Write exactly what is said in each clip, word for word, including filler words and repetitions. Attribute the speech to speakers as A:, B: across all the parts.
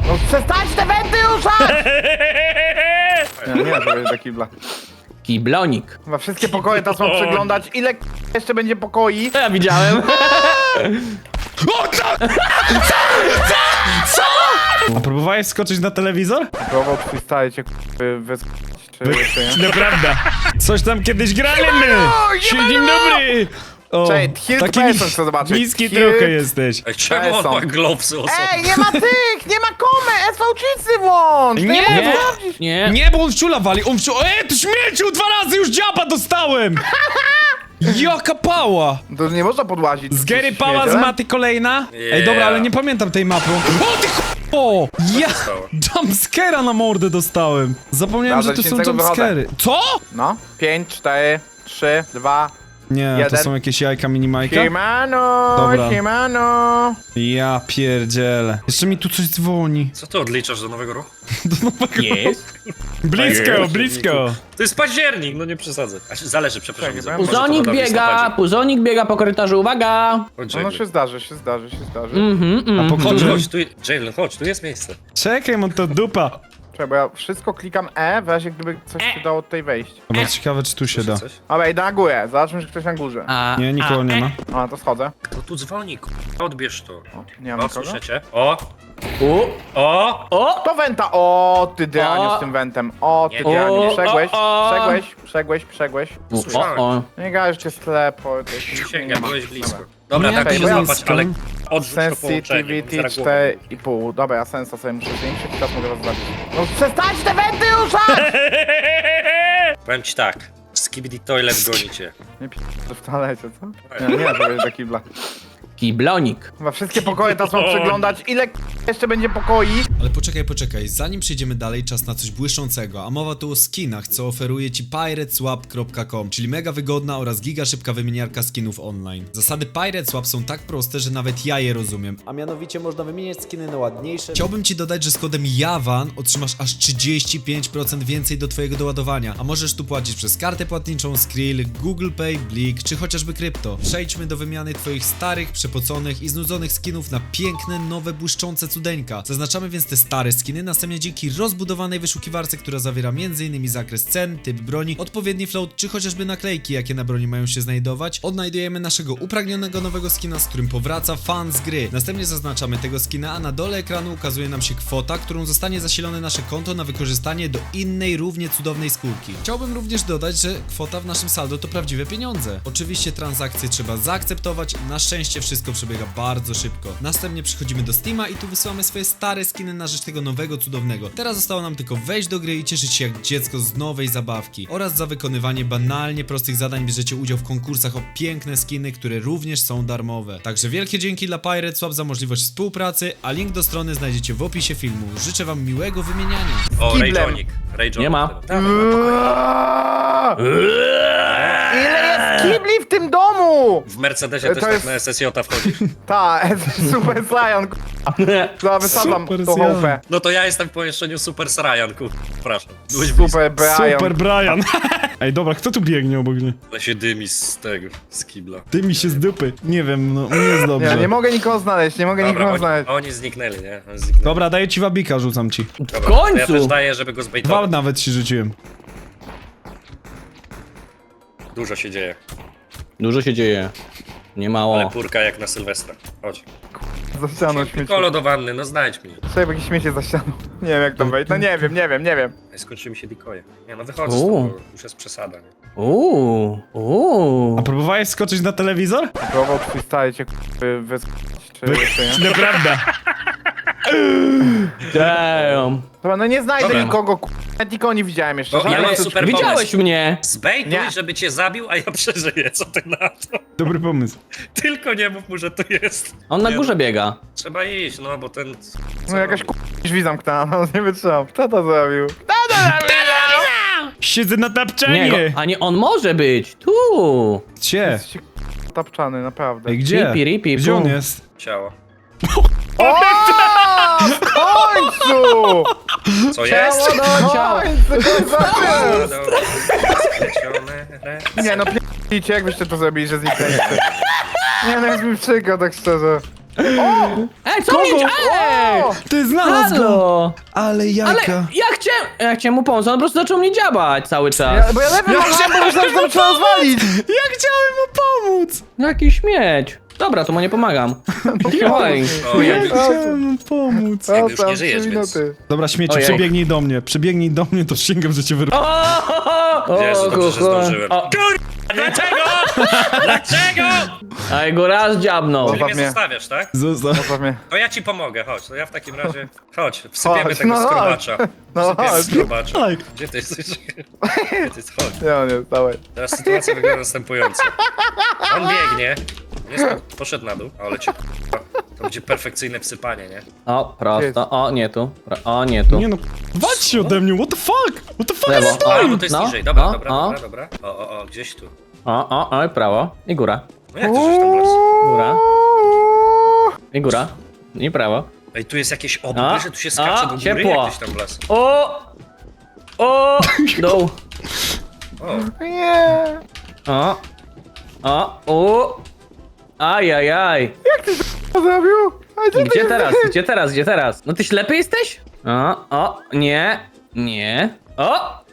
A: No przestań te wenty ruszać! Nie, nie, to jest do kibla.
B: Kiblonik.
A: Chyba wszystkie pokoje teraz mam przeglądać. Ile jeszcze będzie pokoi?
B: To ja widziałem.
C: O, co? Co? A próbowałeś skoczyć na telewizor?
A: Próbował twój stary cię wyskoczyć, czy jeszcze nie?
C: Naprawdę. Coś tam kiedyś graliśmy. Dzień dobry. O,
A: Cześć, Hill
C: taki
A: Person chcę zobaczyć.
C: niski
A: Hill-
C: trochę jesteś.
D: Ej, czemu on
A: są.
D: ma glowsy osobne?
A: Ej, nie ma tych! Nie ma komy! S V Czycy włącz!
C: Nie,
A: nie,
B: Nie,
A: włączyć.
B: nie.
C: Nie, bo on w ciula wali, on w ciula... Ej, ty śmieciu, dwa razy już dziaba dostałem! Jaka pała!
A: To nie można podłazić.
C: Z Gary Pała z Maty kolejna? Ej, dobra, ale nie pamiętam tej mapy. O, ty ch**o! Ja
D: stało?
C: jumpscare'a na mordę dostałem. Zapomniałem,
A: Dobra,
C: że to są
A: dziesięć sekund
C: jumpscare'y. Co?
A: No. pięć, cztery, trzy, dwa.
C: Nie, to
A: Jeden.
C: są jakieś jajka minimajka.
A: Siemano,
C: Dobra.
A: siemano.
C: Ja pierdzielę. Jeszcze mi tu coś dzwoni.
D: Co ty odliczasz do nowego roku?
B: Jest.
C: Blisko, blisko.
D: To jest październik, no nie przesadzę. A się zależy, przepraszam.
A: Czekaj,
D: może to
B: Puzonik
D: woda w
B: biega,
D: listopadzie.
B: puzonik biega po korytarzu, uwaga!
D: Chodź,
A: No, no
D: Jalen.
A: się zdarzy, się zdarzy, się zdarzy.
B: Mhm, mhm.
C: po
D: Chodź,
C: którym?
D: chodź, tu, Jalen, chodź, tu jest miejsce.
C: Czekaj, mam to dupa.
A: Czekaj, bo ja wszystko klikam E, w razie gdyby coś się dało tutaj wejść.
C: Dobra, ciekawe, czy tu się da.
D: Coś?
A: Dobra, idę na górę, zobaczmy, czy ktoś na górze.
B: A,
C: Nie, nikogo nie ma.
A: A, to schodzę.
D: No tu dzwoni, k***a, odbierz to.
A: O, nie mam
D: O,
A: nikogo.
D: słyszycie? O,
B: U,
D: o!
B: o,
A: To wenta! O, ty Dyaniu
B: O.
A: z tym wentem. O, ty
D: Nie,
A: Dyaniu.
B: o,
A: Przegłeś,
B: o, o.
A: przegłeś, przegłeś, przegłeś.
B: u, o,
D: Słyszałem.
B: o.
A: Nie gadasz, cię sklepo. to jeszcze nie
D: Przysięgam,
A: ma.
D: byłeś blisko.
A: Dobra.
D: Dobra,
C: Nie,
D: tak
A: to
D: się
A: jest
D: złapać,
C: blisko.
D: ale odrzuć to połączenie.
A: Sensitivity
D: zaraz głową.
A: cztery i pół. Dobra, ja sensa sobie muszę zwiększyć i teraz mogę was zabić. No przestań te wenty ruszać!
D: Powiem ci tak, Skibidi Toilet gonicie.
A: Nie p***, to w toalecie, co? Nie, nie, to jest do kibla.
B: Kiblonik.
A: Chyba wszystkie pokoje teraz mam przeglądać. Ile jeszcze będzie pokoi?
E: Ale poczekaj, poczekaj, zanim przejdziemy dalej, czas na coś błyszczącego, a mowa tu o skinach, co oferuje ci pirateswap kropka com, czyli mega wygodna oraz giga szybka wymieniarka skinów online. Zasady Pirateswap są tak proste, że nawet ja je rozumiem, a mianowicie można wymieniać skiny na ładniejsze. Chciałbym ci dodać, że z kodem JAWAN otrzymasz aż trzydzieści pięć procent więcej do twojego doładowania, a możesz tu płacić przez kartę płatniczą, Skrill, Google Pay, Blik, czy chociażby krypto. Przejdźmy do wymiany twoich starych, przepoconych i znudzonych skinów na piękne, nowe, błyszczące cudeńka. Zaznaczamy więc te stare skiny, następnie dzięki rozbudowanej wyszukiwarce, która zawiera m.in. zakres cen, typ broni, odpowiedni float, czy chociażby naklejki, jakie na broni mają się znajdować, odnajdujemy naszego upragnionego nowego skina, z którym powraca fan z gry. Następnie zaznaczamy tego skina, a na dole ekranu ukazuje nam się kwota, którą zostanie zasilone nasze konto na wykorzystanie do innej, równie cudownej skórki. Chciałbym również dodać, że kwota w naszym saldo to prawdziwe pieniądze. Oczywiście transakcje trzeba zaakceptować, na szczęście wszystko przebiega bardzo szybko. Następnie przechodzimy do Steama i tu wysyłamy swoje stare skiny na rzecz tego nowego cudownego. Teraz zostało nam tylko wejść do gry i cieszyć się jak dziecko z nowej zabawki. Oraz za wykonywanie banalnie prostych zadań bierzecie udział w konkursach o piękne skiny, które również są darmowe. Także wielkie dzięki dla Pirateswap za możliwość współpracy, a link do strony znajdziecie w opisie filmu. Życzę wam miłego wymieniania.
D: O,
A: Kiblem.
D: Rayjonik. Rayjonik.
B: Nie ma.
A: Ile jest kibli w tym domu?
D: W Mercedesie
A: To
D: też tak
A: jest-
D: na S S J wchodzisz.
A: Ta, Super Saiyan, k***a, wysadzam
C: Super
A: tą
C: Saiyan.
A: chałupę.
D: No to ja jestem w pomieszczeniu Super Sarajan, kur... Przepraszam. Byłeś
A: Super Brian.
C: Super Brian. Ej, dobra, kto tu biegnie obok mnie?
D: Ale się dymi z tego, z kibla.
C: Ty mi się z dupy. Nie wiem, no nie jest dobrze.
A: Nie, nie mogę nikogo znaleźć, nie mogę
D: Dobra,
A: nikogo
D: oni,
A: znaleźć.
D: oni zniknęli, nie? Oni zniknęli.
C: Dobra, daję ci wabika, rzucam ci.
D: Dobra,
B: W
D: to Ja też
B: końcu!
D: daję, żeby go
C: Dwa
D: zbejtować.
C: nawet ci rzuciłem.
D: Dużo się dzieje.
B: Dużo się dzieje. Nie
D: Ale
B: mało.
D: purka jak na Sylwestra. Chodź.
A: Za ścianą śmieci.
D: Kolo do wanny, no znajdź mnie.
A: Sobie jakieś śmiecie za ścianą. Nie wiem jak to wejść, no nie wiem, nie wiem, nie wiem.
D: Ej, skończyły mi się dikoje. Nie no, wychodzę z
B: Uuu.
D: tego, już jest przesada, nie?
B: Uuu, uuu.
C: A próbowałeś skoczyć na telewizor?
A: Próbował twój stary cię wyskoczyć, czy jeszcze nie?
C: Naprawdę.
B: Damn.
A: Dobra, no nie znajdę
D: Dobra.
A: nikogo, k***a, nawet nikogo nie widziałem jeszcze.
D: O, ja
A: Żadnej
D: mam
A: suczki.
D: super
B: Widziałeś
D: pomysł.
B: mnie!
D: Zbejtuj,
A: Nie.
D: żeby cię zabił, a ja przeżyję, co ty na to?
C: Dobry pomysł.
D: Tylko nie mów mu, że to jest.
B: On na
D: Nie,
B: górze
D: no,
B: biega.
D: Trzeba iść, no bo ten...
A: No jakaś k***a drzwi zamknęła, no nie wytrzymam. Kto to zrobił? Kto to zrobił?
C: Siedzę na
B: Nie,
C: tapczanie!
B: go, a nie, on może być. Tu.
C: Gdzie?
A: Jesteście k***a tapczany, naprawdę.
C: Ej, gdzie?
B: Ripi, ripi,
C: Gdzie on
B: pum.
C: jest?
D: Ciało.
A: O! W końcu!
D: Co jest?
B: Ciało do ciała.
A: W końcu, końcu!
D: No, dobra. Splecione ręce.
A: Nie no, p***cie, jak byście to zrobili, że zniknęliście? Nie no, jest mi przykro, tak szczerze.
B: Ej, co mnie... Ej!
C: Ty znalazł go!
B: Halo!
C: Ale
B: Ale
C: jajka.
B: ja chciałem... Ja chciałem mu pomóc, on po prostu zaczął mnie dziabać cały czas.
A: Ja, bo ja lepiej mam, bo myślałem, że tam trzeba rozwalić.
C: Ja chciałem mu pomóc!
B: Jaki śmieć. Dobra, to mu nie pomagam. Oj.
D: O, jak,
C: Chciałem mu pomóc.
D: Jak
A: O,
D: już
A: tam
D: nie żyjesz,
A: trzy
D: więc-
A: minuty.
C: Dobra, śmieci,
B: Ojej.
C: przebiegnij do mnie. Przebiegnij do mnie, to sięgam, że cię wyrwę.
B: O,
D: Jezu, dobrze, że
B: kuchu.
D: zdążyłem.
B: O,
D: Dlaczego? Dlaczego?
B: a jego raz dziabnął.
D: Czyli mnie
A: mnie.
D: zostawiasz, tak?
C: Zostaw.
A: Zostaw mnie.
D: To ja ci pomogę, chodź. To ja w takim razie... Chodź, wsypiemy
A: Chodź,
D: tego
A: no chodź.
D: skrobacza.
A: No
D: Wsypiemy
A: chodź.
D: skrobacza.
C: Daj.
D: Gdzie ty jesteś? Gdzie ty jesteś? Chodź.
A: Ja nie, dawaj.
D: Teraz sytuacja wygląda następująco. On biegnie. Jest, poszedł na dół, ale cię k***a. To będzie perfekcyjne wsypanie, nie?
B: O, prosto. O, nie tu. Pro- O, nie tu.
C: Nie no, walcz się ode mnie, what the fuck? What the fuck
B: Lewo.
C: is
B: O,
D: A,
C: time?
D: bo to jest
B: no,
D: niżej. Dobra,
B: no,
D: dobra,
B: o.
D: dobra, dobra. O, o, o, gdzieś tu.
B: O, o, o, i prawo. I góra.
D: No jak ty żeś tam las?
B: Góra. I góra. I prawo.
D: Ej, tu jest jakieś
B: A,
D: obry, że tu się skacze
B: a,
D: do góry,
B: ciepło.
D: jakieś tam las.
B: O! O! Dół.
D: O,
A: Nie.
B: O! O! O! Ajajaj!
A: Co zrobił? A gdzie ty
B: Gdzie
A: jesteś?
B: teraz? Gdzie teraz? Gdzie teraz? No ty ślepy jesteś? O! O! Nie! Nie! O!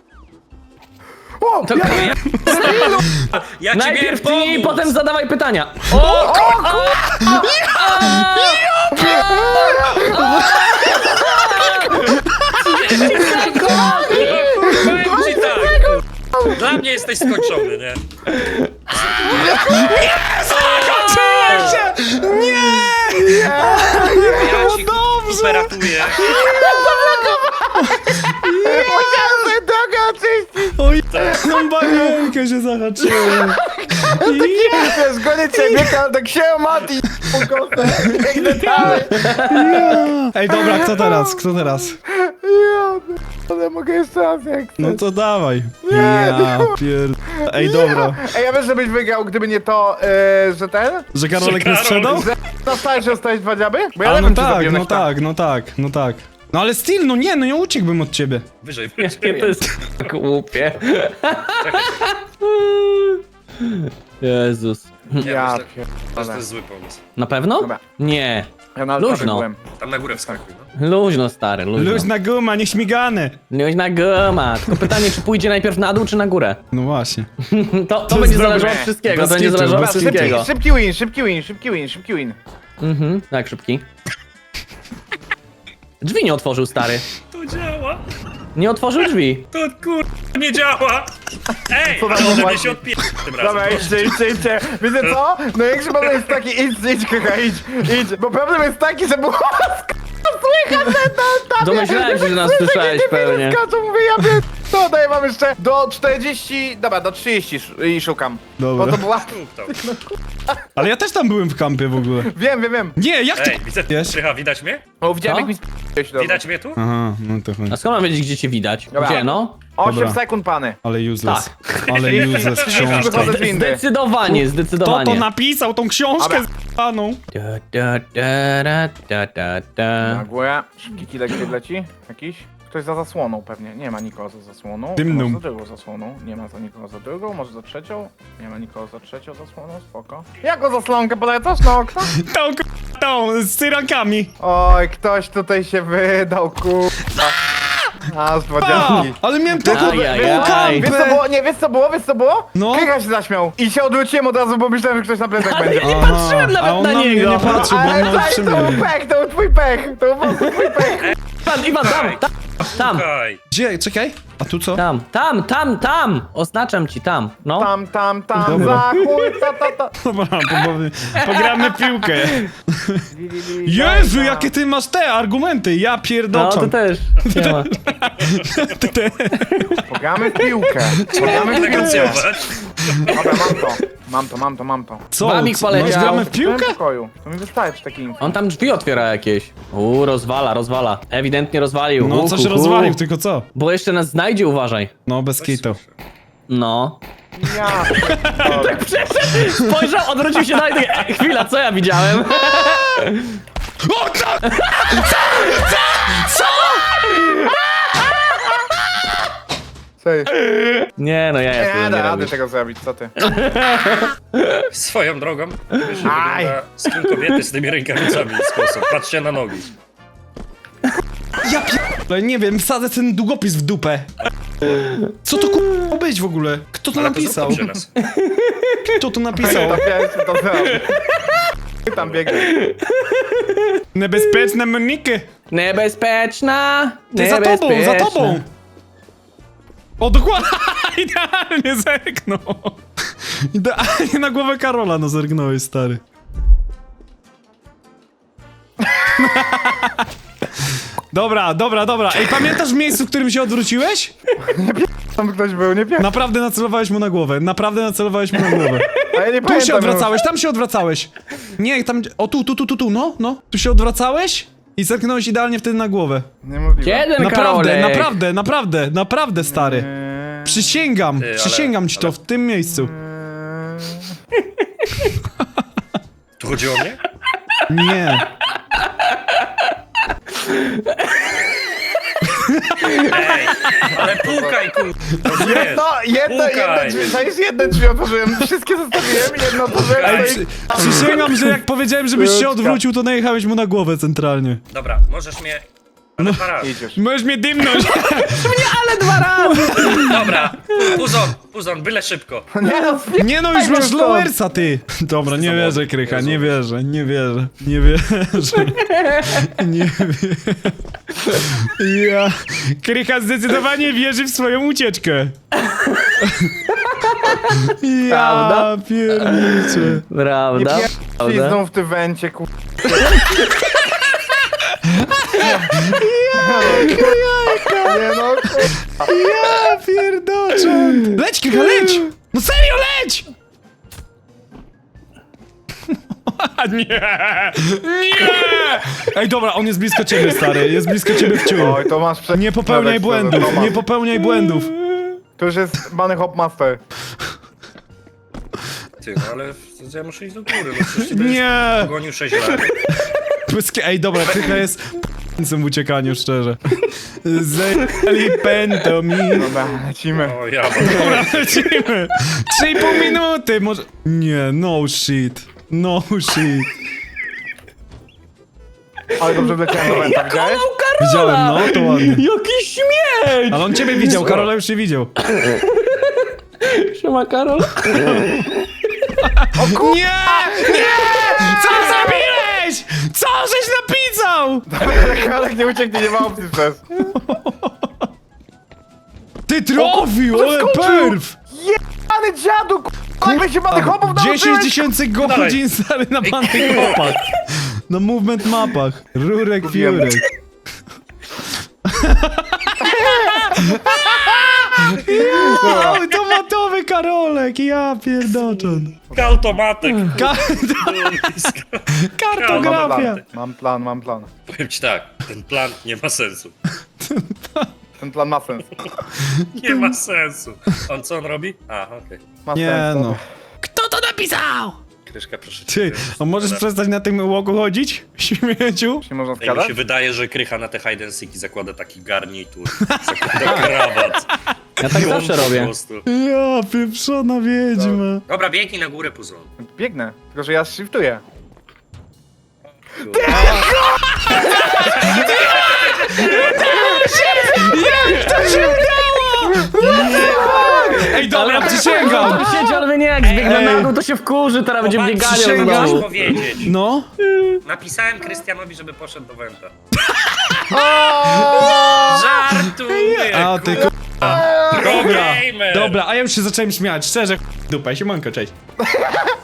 A: O,
B: To
A: ja,
D: ja ci
B: najpierw
D: miałem
B: tnij,
D: pomóc!
B: potem zadawaj pytania. O!
D: Powiem ci tak. Dla mnie jesteś skończony, nie?
C: Zakończyłem się! Nie!
D: Ja ci super ratuję.
A: musiałem sobie drogę oczyścić.
C: Oj, tą banienkę się zahaczyłem.
A: Wiesz, gonię ciebie, tak się Mati. Pukosę. Biegnę dalej.
C: Ej, dobra, kto teraz? Kto teraz?
A: Ja, ale mogę jeszcze raz jak chcesz.
C: No to dawaj. Ja pier... Ej, dobra.
A: Ej, ja wiesz, żebyś wygrał, gdyby nie to, e, że ten?
C: Że Karolek nie
D: Karol-
C: sprzedał?
A: Że na starcie dostałeś dwa dziaby? Bo ja
C: A no
A: lewym cię
C: tak,
A: zabiłem
C: no
A: na ścianę.
C: tak, no tak, no tak. No ale still, no nie, no nie uciekłbym od ciebie.
D: Wyżej,
B: Jakie
D: wyżej.
B: to jest głupie. Jezus.
A: Ja
D: myślę, że to
A: pierdolę.
D: jest zły pomysł.
B: Na pewno?
A: Dobra.
B: Nie.
A: Ja na
B: Luźno.
A: altarze byłem.
D: Tam na górę wskakuj, no.
B: Luźno, stary, luźno.
C: Luźna guma, nieśmigany.
B: Luźna guma. Tylko pytanie, czy pójdzie najpierw na dół, czy na górę?
C: No właśnie.
B: To, to,
C: To
B: będzie
C: jest
B: zależało
C: dobre.
B: od wszystkiego,
C: Bez
B: to będzie
C: kitu,
B: zależało
C: bez
B: od
A: Szybki,
B: wszystkiego.
A: szybki win, szybki win, szybki win, szybki win.
B: Mhm, tak, szybki. Drzwi nie otworzył, stary.
D: To działa.
B: Nie otworzył drzwi.
D: To kur... nie działa. Ej,
A: Co tam
D: ale ode mnie
A: właśnie?
D: się odpie... tym razem.
A: Dobra, idźcie, idźcie, idźcie. Wiecie co? Największy problem jest taki, idź, idź, Krycha, idź, idź. Bo problem jest taki, że było słychać ten tam.
B: Domyślałem się, że nas
A: Słyszę,
B: słyszałeś
A: kiedy
B: pewnie.
A: Skaczą, mówię, ja wiem. To daję wam jeszcze do czterdzieści, dobra, do trzydziestu sz- i szukam.
C: Dobra.
A: Bo to była...
D: To.
C: Ale ja też tam byłem w kampie w ogóle.
A: Wiem, wiem, wiem.
C: Nie, jak ty...
D: Ej, widzę...
C: Wiesz?
D: Czyha, widać mnie?
A: O, widziałem
B: Co?
A: jak mi sp***ałeś
D: Widać mnie tu?
C: Aha, no to chodź.
B: A skąd mam wiedzieć, gdzie cię widać?
A: Dobra.
B: Gdzie, no?
A: osiem
C: Dobra.
A: sekund, pany.
C: Ale useless.
B: Tak.
C: Ale useless książka.
A: Wychodzę z windy.
B: Zdecydowanie,
C: Kto
B: zdecydowanie.
C: to napisał, tą książkę
A: Dobra.
C: z***aną?
B: Da, da, da, da, da, da, da.
A: Na górę. Szybki kilek gdzie leci? Jakiś? Ktoś za zasłoną pewnie. Nie ma nikogo za zasłoną.
C: Dymną.
A: Może za drugą zasłoną. Nie ma za nikogo za drugą. Może za trzecią. Nie ma nikogo za trzecią zasłoną. Spoko. Jaką zasłonkę polecasz na okno?
C: Tą k***, tą, z cyrankami.
A: Oj, ktoś tutaj się wydał, kurwa. Aż dwa
C: A,
A: dziadki.
C: ale miałem taką
B: Ajajaj.
A: Wiesz co było? Nie, wiesz co było? Wiesz co było?
C: No.
A: Krycha się zaśmiał. I się odwróciłem od razu, bo myślałem, że ktoś na plecach będzie.
B: Nie patrzyłem nawet
C: a on
B: na
C: na mnie
B: niego.
C: nie patrzył, bo on
A: Ale
C: na
A: tak, to był
C: utrzymie.
A: pech, to był twój pech. To był po prostu twój pech.
B: Iwan, Iwan, tam, tam, tam,
D: Okej.
C: Gdzie? Czekaj. A tu co?
B: tam, tam, tam, tam. Oznaczam ci tam, no.
A: Tam, tam, tam,
C: Dobra.
A: za chuj, ta, ta, ta.
C: Dobra, po- pogramy piłkę.
A: Li, li, li,
C: Jezu,
A: za-
C: jakie ty masz te argumenty, ja
B: No,
C: pierdoczam.
B: to też. Nie ma.
A: Pogramy w piłkę. Pogramy w piłkę.
D: Negocjować.
A: Dobra, mam to. Mam to, mam to, mam to.
C: Co?
B: Wamik
C: co,
B: poleciał.
C: masz gramy w
A: W
C: piłkę?
A: tym pokoju. To mi wystarczy taki info.
B: On tam drzwi otwiera jakieś. Uuu, rozwala, rozwala. Ewidentnie rozwalił.
C: No,
B: Hu,
C: coś
B: hu, hu.
C: rozwalił, tylko co?
B: Bo jeszcze nas znajdzie, uważaj.
C: No, bez kitu.
B: No.
A: Ja. Dobra.
B: Spojrzał, odwrócił się dalej, tak, e, chwila, co ja widziałem?
C: O, co?
A: Serio. ty.
B: Nie no, ja ja
A: Nie
B: tego
A: da
B: nie
A: rady
B: robię.
A: tego zrobić, co ty?
D: Swoją drogą, wiesz, że
A: Aj.
D: wygląda skin kobiety z tymi rękawicami w sposób. Patrzcie na nogi.
C: Ja pierdolę, nie wiem, wsadzę ten długopis w dupę. Co to k***a być w ogóle? Kto to
D: Ale to zrób
C: napisał?
D: to przy nas.
C: Kto to napisał?
A: To pierwszy to zrobił. Ty tam biegnie.
C: Niebezpieczne Moniki.
B: Niebezpieczna!
C: Ty za tobą, za
B: niebezpieczna.
C: tobą! O, dokładnie! Idealnie zerknął! Idealnie na głowę Karola, no zerknąłeś, stary. Dobra, dobra, dobra. Ej, pamiętasz w miejscu, w którym się odwróciłeś?
A: Tam ktoś był, nie wiem.
C: Naprawdę nacelowałeś mu na głowę. Naprawdę nacelowałeś mu na głowę.
A: A ja nie
C: Tu
A: pamiętam.
C: się odwracałeś, tam się odwracałeś. Nie, tam... O, tu, tu, tu, tu, tu, no, no. Tu się odwracałeś i zerknąłeś idealnie wtedy na głowę.
A: Niemożliwe.
B: Jeden
C: Naprawdę,
B: Karolek.
C: naprawdę, naprawdę, naprawdę, stary.
A: Eee,
C: Przysięgam,
D: Ty, ale-
C: przysięgam ci to
D: ale-
C: w tym miejscu.
A: eee,
D: Tu chodzi o mnie?
C: Nie.
D: Ej, ale pukaj, kur...
A: Jedno, jedno, jedno
D: Pukaj.
A: drzwi, to jest jedno drzwi otworzyłem, wszystkie zostawiłem, jedno otworzyłem,
C: Ej,
A: to
C: przy,
A: jest...
C: przysięgam, że jak powiedziałem, żebyś się
A: Krótka.
C: odwrócił, to najechałeś mu na głowę centralnie.
D: Dobra, możesz mnie... Ale dwa razy.
A: Idź już.
C: Możesz mnie dymnąć.
D: Dobra, Puzon, Puzon, byle szybko.
A: Nie no,
C: Nie no, już
A: Daj
C: masz
A: mi
C: lowersa, ty. Dobra, nie
D: Samochód.
C: wierzę, Krycha,
D: Jezu.
C: nie wierzę, nie wierzę, nie wierzę. Nie wierzę. Ja... Krycha zdecydowanie wierzy w swoją ucieczkę. Ja
B: Prawda?
C: pierniczę.
B: Prawda?
A: Nie
B: Prawda?
A: pizdą w tym wencie, ku... Nie no, ku...
C: Ja pierdoczę. Leć, Krycha, leć! No serio, leć! Nie! Nie! Ej, dobra, on jest blisko ciebie, stary, jest blisko ciebie w ciulu.
A: Oj, to masz prze...
C: Nie popełniaj
A: Dobra,
C: błędów,
A: to masz.
C: nie popełniaj błędów.
A: To już jest Bunny Hop Master.
D: Ty, no ale ja muszę iść do góry, no przecież ty będziesz
C: Nie!
D: pogonił sześć lat.
C: Pyskie- Ej, dobra, Krycha jest p***cem w uciekaniu, szczerze. Zajęli pęto mi.
A: Dobra, lecimy.
D: O, ja
C: Dobra, lecimy. Trzy i pół minuty, może... Nie, no shit. No shit.
A: Ale dobrze wleciałem do wenta, widziałeś?
C: Widziałem, no, to ładnie.
B: Jaki śmieć!
C: Ale on ciebie widział, Karola już nie widział.
B: Siema Karol.
C: Nie! Nie! Co zrobiłeś? Co żeś napisał?
A: Karek nie ucieknie, nie ma opcji przez.
C: Ty trafił, ale
A: zaskoczył.
C: perf!
A: Jebany dziadu, ku... Jak się Bunny Hopów
C: dziesięć
A: nauczyłeś?
C: tysięcy godzin stary na bannych mapach. Na movement mapach. Rurek, fiurek. Ja, automatowy Karolek, ja pierdoczon.
D: automatek.
C: Ka kartografia.
A: Mam plan, mam plan.
D: Powiem ci tak, ten plan nie ma sensu.
A: Ten plan ma sens.
D: Nie ma sensu. On co on robi? A, okej.
A: Ma
C: Nie
A: sens,
C: no.
A: dobra.
C: Kto to napisał?
D: Kryszka, proszę cię.
C: Ty, a możesz
D: Dobra.
C: przestać na tym łoku chodzić? Śmieciu?
A: Nie można
D: Ej, mi
A: skradać?
D: się wydaje, że Krycha na te hide and seeki zakłada taki garnitur, zakłada krawat.
B: Ja tak
D: I on
B: zawsze
D: po
B: robię.
D: prostu.
C: Ja, pieprzona wiedźma.
D: Dobra, biegnij na górę, Puzon.
A: Biegnę, tylko że ja shiftuję.
C: To się udało! Ej, dobra, przysięgam!
B: On siedzi, ale nie, jak zbiegnę
C: Ej.
B: na dół, to się wkurzy, teraz będzie
D: Popatrz,
B: bieganiał
C: przysięgam.
B: znowu.
D: Chcesz powiedzieć.
C: No?
D: Napisałem Krystianowi, żeby poszedł do Wenta. Żartuję,
C: A ty
D: kurwa.
C: k***a. Dobra,
D: Gamer.
C: dobra, a ja już się zacząłem śmiać, szczerze, k***, dupa, siemanko, cześć.